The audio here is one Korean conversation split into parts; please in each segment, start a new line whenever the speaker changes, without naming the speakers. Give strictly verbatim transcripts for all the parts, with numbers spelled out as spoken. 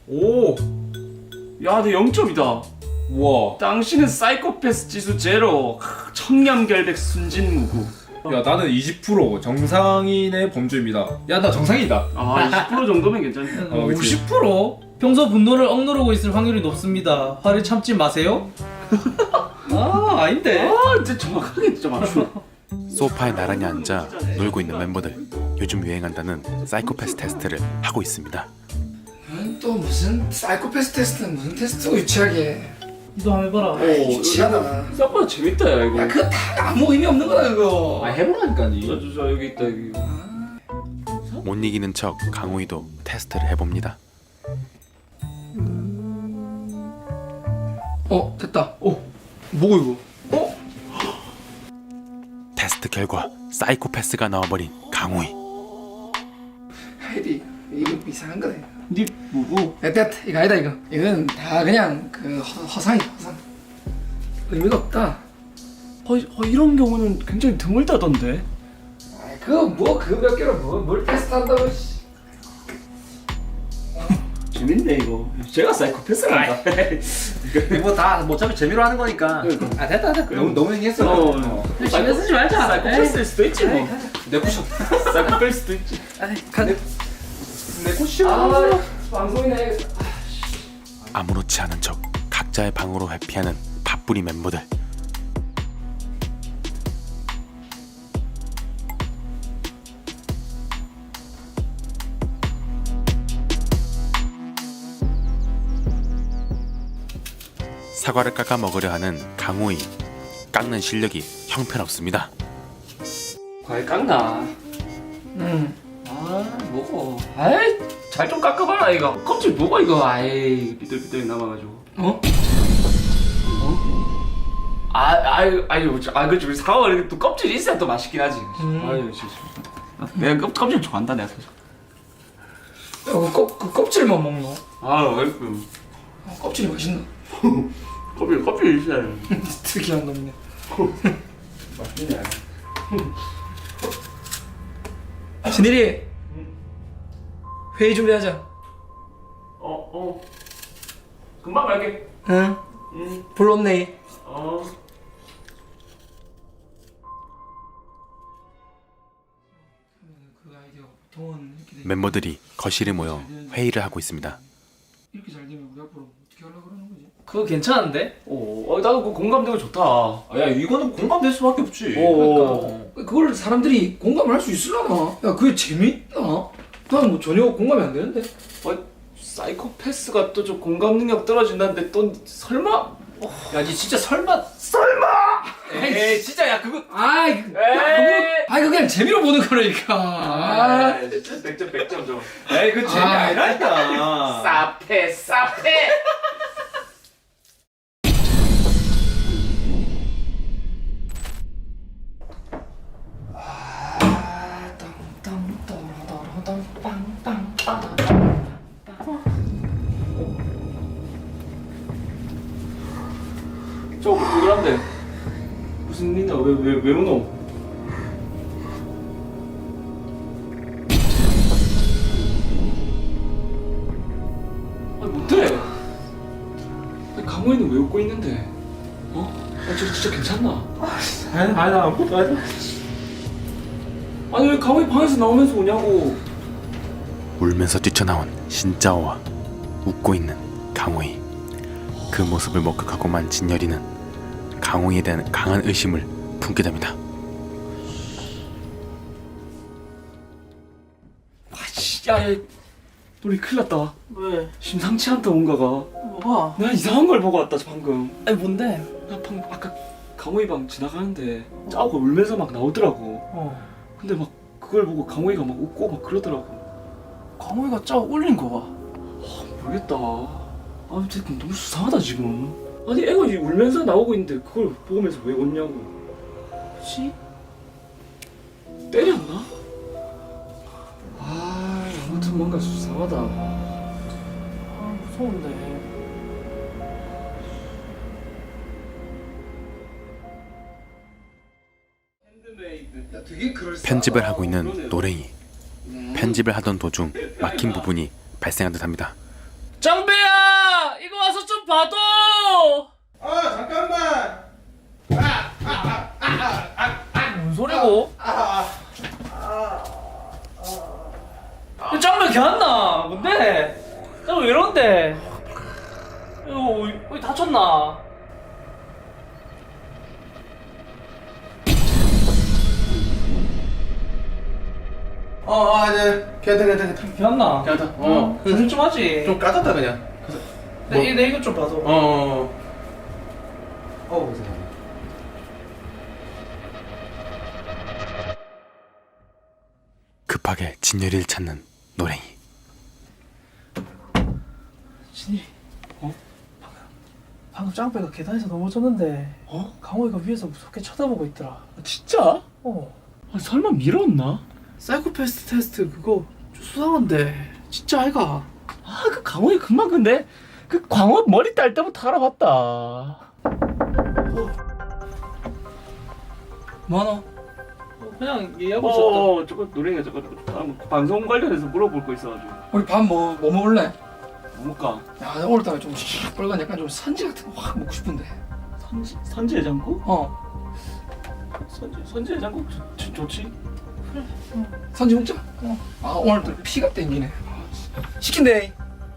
오! 야, 내 영 점이다.
우와.
당신은 사이코패스 지수 제로. 청렴결백 순진무구.
야, 나는 이십 퍼센트 정상인의 범주입니다. 야, 나 정상이다.
아, 이십 퍼센트 정도면 괜찮네.
어, 그치.
오십 퍼센트? 평소 분노를 억누르고 있을 확률이 높습니다. 화를 참지 마세요. 아, 아닌데.
아, 진짜 정확하게 진짜 맞추네.
소파에 나란히 앉아 놀고 있는 멤버들. 요즘 유행한다는 사이코패스 테스트를 하고 있습니다.
또 무슨 사이코패스 테스트는 무슨 테스트고 유치하게.
이거 한번 해봐라.
오,
유치하다.
생각보다 재밌다, 야, 이거.
야 그거 다 아무 의미 없는 거다 그거.
아, 해보라니까, 니.
저, 저, 저, 여기 있다, 여기.
못 이기는 척 강호이도 테스트를 해봅니다.
어 됐다. 어 뭐고 이거? 어?
테스트 결과 사이코패스가 나와버린 강호이.
하이디 이거 이상한 거네.
니 뭐고?
됐다 됐다 이거 아니다 이거. 이건 다 그냥 그 허, 허상이다 허상. 의미가 없다.
어, 어, 이런 경우는 굉장히 드물다던데.
아 그거 뭐 그거 몇 개로 뭐뭘 테스트한다고. 씨.
재밌네, 이거. 제가 사이코패스란다.
뭐다 뭐 어차피 재미로 하는 거니까. 아, 됐다, 됐다. 너무, 너무 얘기했어.
어,
어.
신경 쓰지 말자.
사이코패스일 수도 있지, 뭐.
내 쿠션.
사이코패일 수도 있지.
내 쿠션.
아 방송이네.
아무렇지 않은 척 각자의 방으로 회피하는 밥풀이 멤버들. 사과를 깎아 먹으려 하는 강호이. 깎는 실력이 형편없습니다.
과일 깎나?
응.
아, 뭐고? 아이, 잘 좀 깎아봐라, 이거. 껍질 뭐고, 이거? 아이, 삐뚤삐뚤 남아가지고.
어?
아, 아유, 아유, 저, 아, 그렇지. 사과가 이렇게 또 껍질이 있어야 또 맛있긴 하지.
음.
아유, 진짜. 아, 내가 껍, 껍질 좋아한다, 내가. 사실.
야, 그, 껍, 그 껍질만 먹노?
아, 아이고.
아, 껍질이 맛있나?
껍질, 껍질 있어야 돼.
특이한 놈이네.
맛있네.
신일이 회의 준비하자.
어, 어. 금방 갈게.
응.
응,
불렀네.
어.
그 아이디어 보통은 이렇게 돼.
멤버들이 거실에 모여 회의를 하고 있습니다.
이렇게 잘 되면 우리 앞으로 어떻게 하려고 그러는 거지?
그거 괜찮은데?
어, 어, 나도 그 공감되고 좋다.
아, 야, 이거는 공감될 수밖에 없지.
어.
그러니까 그걸 사람들이 공감을 할 수 있으려나? 야 그게 재밌나? 난 뭐 전혀 공감이 안 되는데.
어, 사이코패스가 또 좀 공감 능력 떨어진다는데 또 설마?
야, 니 진짜 설마.
설마?
에이, 진짜, 야, 그거.
아이,
에이.
아이 그거 그냥 재미로 보는 거라니까. 아,
백 점 백 점 좀.
에이, 그 재미
아.
아니라니까.
사페 사페. 저거 누구란데? 무슨 일이야? 왜왜왜 왜 오노? 아니 뭔데? 아니 강호이는 왜 웃고 있는데? 어? 아니 저 진짜 괜찮나?
아니, 아니, 나 아무것도 아니다.
아니 왜 강호이 방에서 나오면서 오냐고?
울면서 뛰쳐나온 신짜오와 웃고 있는 강호이. 그 모습을 목격하고만 진열이는 강호이에 대한 강한 의심을 품게 됩니다.
아씨, 야, 야, 우리 큰일 났다.
왜?
심상치 않다 뭔가가.
뭐가?
내가 이상한 걸 보고 왔다 방금.
아니 뭔데?
나 방금 아까 강호이 방 지나가는데 짜오가 울면서 막 나오더라고.
어.
근데 막 그걸 보고 강호이가 막 웃고 막 그러더라고.
강호이가 짜 울린 거 봐.
모르겠다. 아, 진짜 너무 수상하다 지금. 아니 애가 이 울면서 나오고 있는데 그걸 보면서 왜 웃냐고.
뭐지?
때렸나? 아, 아무튼 뭔가 수상하다.
아 무서운데.
되게 그럴싸하다.
편집을 하고 있는 노랭이. 편집을 하던 도중 막힌 부분이 발생한 듯합니다.
짱배야, 이거 와서 좀 봐도.
아 잠깐만.
뭔 소리고? 짱배 걔안나 뭔데? 짱배 왜 이런데? 이거 어디 다쳤나?
어, 아, 네. 괜찮다, 괜찮다, 괜찮다.
걔안나?
괜찮다. 어.
조심 좀 하지.
좀 까졌다 그냥.
내, 내 이거 좀 봐도.
어. 어. 어, 보세요.
급하게 진열이를 찾는 노랭이.
진일이. 어? 방금 방금 짱배가 계단에서 넘어졌는데.
어?
강호이가 위에서 무섭게 쳐다보고 있더라.
진짜?
어.
아, 설마 밀었나?
사이코패스 테스트 그거 좀 수상한데 진짜 아이가?
아, 그 강호이 금방 근데 그 광호 머리 딸 때부터 알아봤다.
뭐하노? 어, 그냥 얘기하고 있었다.
어, 저거 노랭이가 저거, 저거 방송 관련해서 물어볼 거 있어가지고.
우리 밥 뭐 뭐 먹을래?
뭐 먹을까?
야 오늘따라 좀 시뻘건 약간 좀 산지 같은 거 확 먹고 싶은데.
선지, 선지 해장국?
어
선지, 선지 해장국 좋, 좋, 좋지?
산지 먹자. 어. 아 오늘따라 피가 땡기네. 시킨대.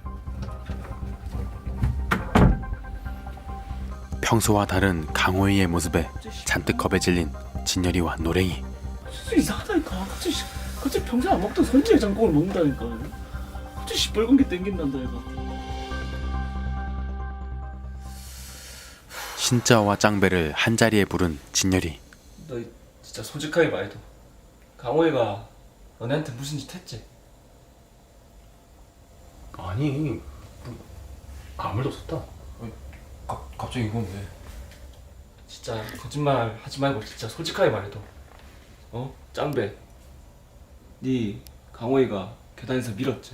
평소와 다른 강호이의 모습에 잔뜩 겁에 질린 진열이와 노랭이.
진짜 이상하다니까. 갑자기, 시- 갑자기 평소에 안 먹던 선지 해장국을 먹는다니까. 갑자기 시뻘건 게 땡긴단다 얘가.
신짜오와 짱배를 한자리에 부른 진열이.
너 진짜 솔직하게 말해도 강호이가 너네한테 무슨 짓 했지?
아니, 뭐, 아무 일도 없었다. 가, 갑자기 이건 왜?
진짜 거짓말 하지 말고 진짜 솔직하게 말해도 어? 짱배 네 강호이가 계단에서 밀었지?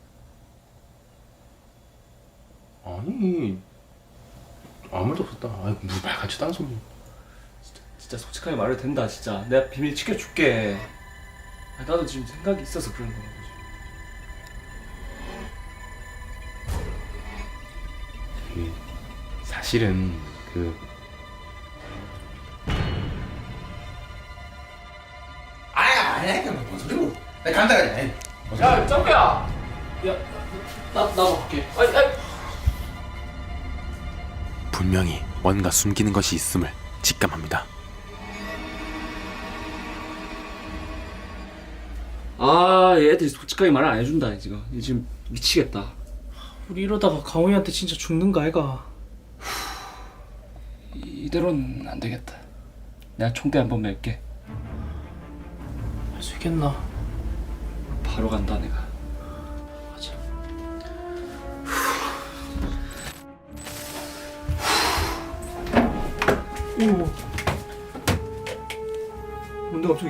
아니, 아무 일도 없었다. 아이, 무슨 말 같지도 않은 소리.
진짜, 진짜 솔직하게 말해도 된다 진짜 내가 비밀 지켜줄게. 아, 나도 지금 생각이 있어서 그런 거야.
그, 사실은 그 아야 아야 그뭔 소리고? 나 간다 그냥.
야 짱배야
나 나도 갈게.
아니 아니
분명히 뭔가 숨기는 것이 있음을 직감합니다.
아 얘들이 솔직하게 말을 안 해준다 지금. 얘 지금 미치겠다.
우리 이러다가 강호이한테 진짜 죽는 거 아이가?
이대로는 안 되겠다. 내가 총대 한번 맬게.
할 수 있겠나?
바로 간다 내가.
맞아.
오. 뭔데 갑자기?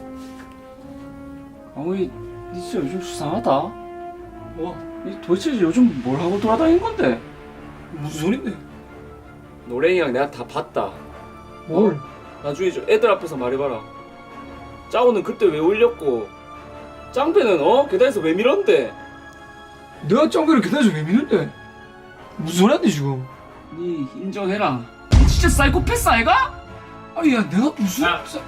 강호이 니 진짜 요즘 수상하다.
뭐?
니 도대체 요즘 뭘 하고 돌아다니는 건데?
무슨 소린데?
노랭이랑 내가 다 봤다.
뭘?
나중에 저 애들 앞에서 말해봐라. 짜오는 그때 왜 울렸고 짱배는 어? 계단에서 왜 밀었는데?
내가 짱배를 계단에서 왜 미는데? 무슨 소리 하는데 지금?
니 인정해라. 니 진짜 사이코패스 아이가?
아니 야 내가 무슨?
야.
사-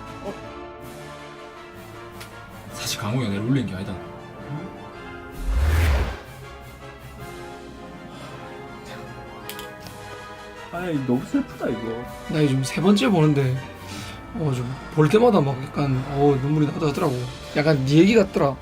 사실 강호가 내를 울린 게 아니다.
아이 너무 슬프다 이거.
나 요즘 세 번째 보는데 어 좀 볼 때마다 막 약간 어 눈물이 나도 하더라고. 약간 네 얘기 같더라.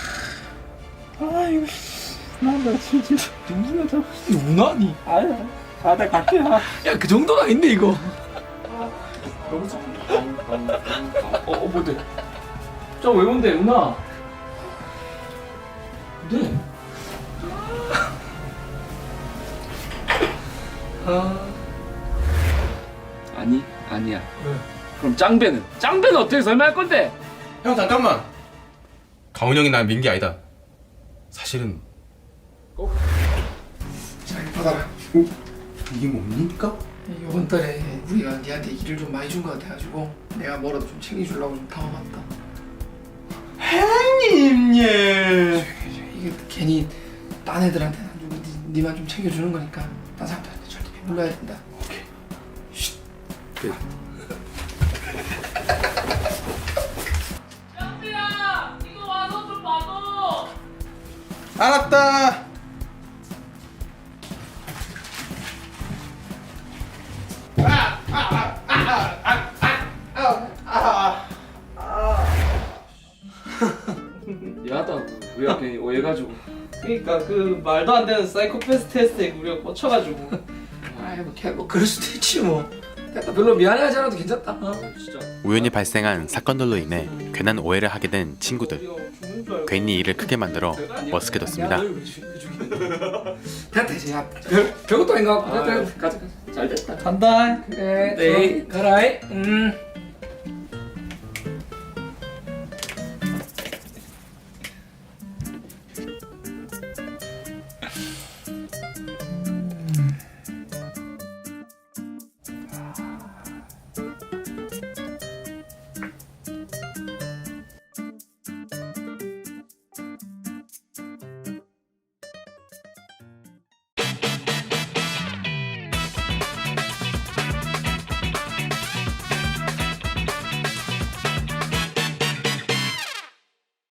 아이고 나나 진짜 눈물 나잖아.
이거 우나니?
아야 가다 갈게. 야
야 그 정도는 아닌데 이거.
너무 슬프다. 어, 어 뭔데? 저왜 온대 누나? 네.
아
아니 아니야.
왜?
그럼 짱배는? 짱배는 어떻게 설명할 건데?
형 잠깐만. 강훈 형이 날 민 게 아니다. 사실은
자 이거 받아라.
이게 뭡니까?
이번 달에 우리가 니한테 일을 좀 많이 준 것 같아가지고 내가 뭐라도 좀 챙겨주려고 좀 담아봤다.
형님 예.
이게 괜히 딴 애들한테는 안 주고 니, 니만 좀 챙겨주는 거니까 딴 사람들한테 절대 비밀러야 된다. 오케이.
양비야, 이거 와서 좀 봐줘.
알았다.
미안하다. 우리가 괜히 오해가지고.
그러니까 그 말도 안 되는 사이코패스 테스트에 우리가 꽂혀가지고.
아이 뭐, 걔, 뭐 그럴 수도 있지 뭐. 됐다. 별로 미안해하지 않아도 괜찮다. 어?
진짜.
우연히 발생한 사건들로 인해 괜한 오해를 하게 된 친구들.
우리가 죽는 줄 알고.
괜히 일을 크게 만들어 머쓱해졌습니다.
됐다 이제 야 별, 별것도 아닌 것 같고
아,
됐다.
가자 가자. 잘 됐다.
간다.
그래 네 가라이 음